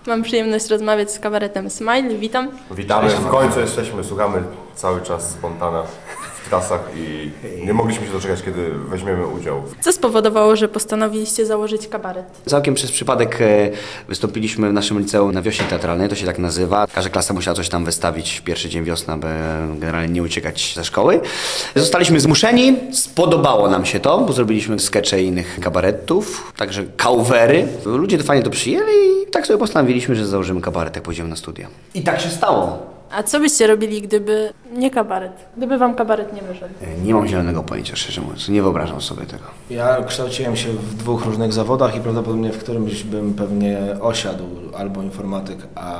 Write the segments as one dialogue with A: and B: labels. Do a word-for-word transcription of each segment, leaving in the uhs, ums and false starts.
A: Mam przyjemność rozmawiać z kabaretem Smile. Witam.
B: Witamy, w końcu jesteśmy, słuchamy cały czas Spontana w trasach i nie mogliśmy się doczekać, kiedy weźmiemy udział.
A: Co spowodowało, że postanowiliście założyć kabaret?
C: Całkiem przez przypadek wystąpiliśmy w naszym liceum na wiośnie teatralnej, to się tak nazywa. Każda klasa musiała coś tam wystawić w pierwszy dzień wiosny, aby generalnie nie uciekać ze szkoły. Zostaliśmy zmuszeni, spodobało nam się to, bo zrobiliśmy skecze innych kabaretów, także covery. Ludzie to fajnie to przyjęli i tak sobie postanowiliśmy, że założymy kabaret, jak pójdziemy na studia. I tak się stało.
A: A co byście robili, gdyby nie kabaret? Gdyby wam kabaret nie wyszedł?
C: Nie mam zielonego pojęcia, szczerze mówiąc. Nie wyobrażam sobie tego.
D: Ja kształciłem się w dwóch różnych zawodach i prawdopodobnie w którymś bym pewnie osiadł, albo informatyk,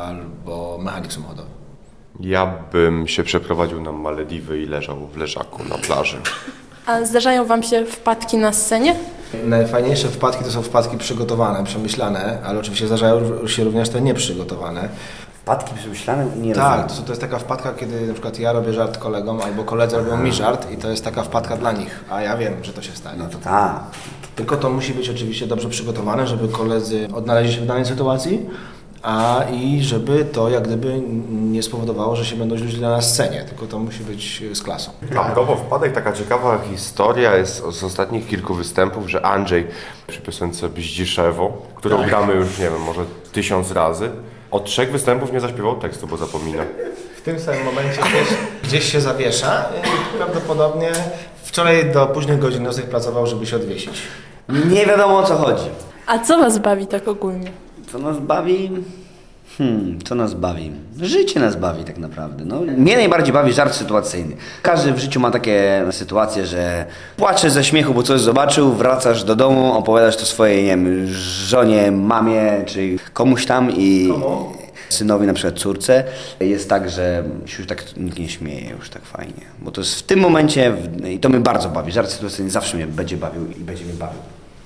D: albo mechanik samochodowy.
B: Ja bym się przeprowadził na Malediwy i leżał w leżaku na plaży.
A: A zdarzają wam się wpadki na scenie?
D: Najfajniejsze wpadki to są wpadki przygotowane, przemyślane, ale oczywiście zdarzają się również te nieprzygotowane.
C: Wpadki przemyślane? Nie
D: Tak, to, to jest taka wpadka, kiedy na przykład ja robię żart kolegom, albo koledzy robią mi żart i to jest taka wpadka dla nich, a ja wiem, że to się stanie.
C: No to tak.
D: Tylko to musi być oczywiście dobrze przygotowane, żeby koledzy odnaleźli się w danej sytuacji, a i żeby to jak gdyby nie spowodowało, że się będą źle na scenie, tylko to musi być z klasą.
B: A propos wpadek, taka ciekawa historia jest z ostatnich kilku występów, że Andrzej przy piosence Bździszewo, którą
D: Tak.
B: gramy już, nie wiem, może tysiąc razy, od trzech występów nie zaśpiewał tekstu, bo zapomina.
D: W tym samym momencie gdzieś, gdzieś się zawiesza i prawdopodobnie wczoraj do późnych godzin nocnych pracował, żeby się odwiesić.
C: Nie wiadomo, o co chodzi.
A: A co was bawi tak ogólnie?
C: Co nas bawi? Hmm, co nas bawi? Życie nas bawi tak naprawdę. No, mnie najbardziej bawi żart sytuacyjny. Każdy w życiu ma takie sytuacje, że płaczesz ze śmiechu, bo coś zobaczył, wracasz do domu, opowiadasz to swojej, nie wiem, żonie, mamie, czy komuś tam i
D: Komu?
C: synowi, na przykład córce. Jest tak, że się już tak nikt nie śmieje już tak fajnie. Bo to jest w tym momencie, i to mnie bardzo bawi, żart sytuacyjny zawsze mnie będzie bawił i będzie mnie bawił.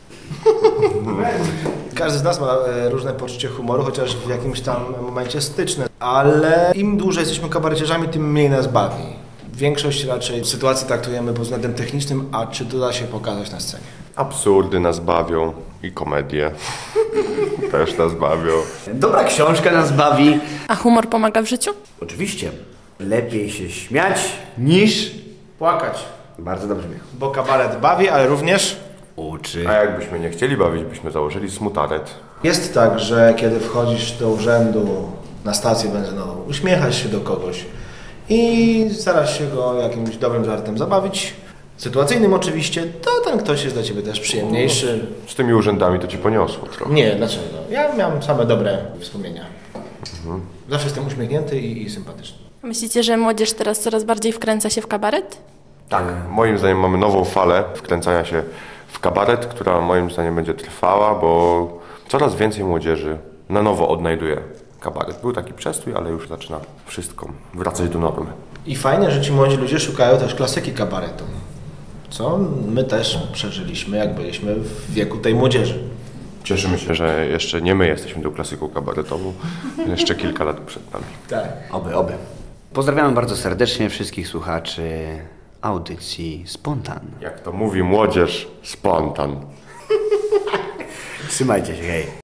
D: Każdy z nas ma e, różne poczucie humoru, chociaż w jakimś tam momencie styczne, ale im dłużej jesteśmy kabareciarzami, tym mniej nas bawi. Większość raczej sytuacji traktujemy pod względem technicznym, a czy to da się pokazać na scenie.
B: Absurdy nas bawią i komedie też nas bawią.
C: Dobra książka nas bawi.
A: A humor pomaga w życiu?
C: Oczywiście. Lepiej się śmiać niż...
D: Płakać,
C: Bardzo dobrze mnie.
D: bo kabaret bawi, ale również
C: Uczy.
B: A jakbyśmy nie chcieli bawić, byśmy założyli smutaret.
D: jest tak, że kiedy wchodzisz do urzędu na stację benzynową, uśmiechasz się do kogoś i starasz się go jakimś dobrym żartem zabawić, sytuacyjnym oczywiście, to ten ktoś jest dla ciebie też przyjemniejszy.
B: Z tymi urzędami to ci poniosło trochę.
D: Nie, dlaczego? Ja miałem same dobre wspomnienia. Zawsze jestem uśmiechnięty i, i sympatyczny.
A: Myślicie, że młodzież teraz coraz bardziej wkręca się w kabaret?
B: Tak, moim zdaniem mamy nową falę wkręcania się w kabaret, która moim zdaniem będzie trwała, bo coraz więcej młodzieży na nowo odnajduje kabaret. Był taki przestój, ale już zaczyna wszystko wracać do normy.
D: I fajnie, że ci młodzi ludzie szukają też klasyki kabaretu, co my też przeżyliśmy, jak byliśmy w wieku tej młodzieży.
B: Cieszymy się, że jeszcze nie my jesteśmy tą klasyką kabaretową, jeszcze kilka lat przed nami.
D: Tak.
C: Oby, oby. Pozdrawiamy bardzo serdecznie wszystkich słuchaczy audycji Spontan.
B: Jak to mówi młodzież, spontan.
C: Trzymajcie się, hej.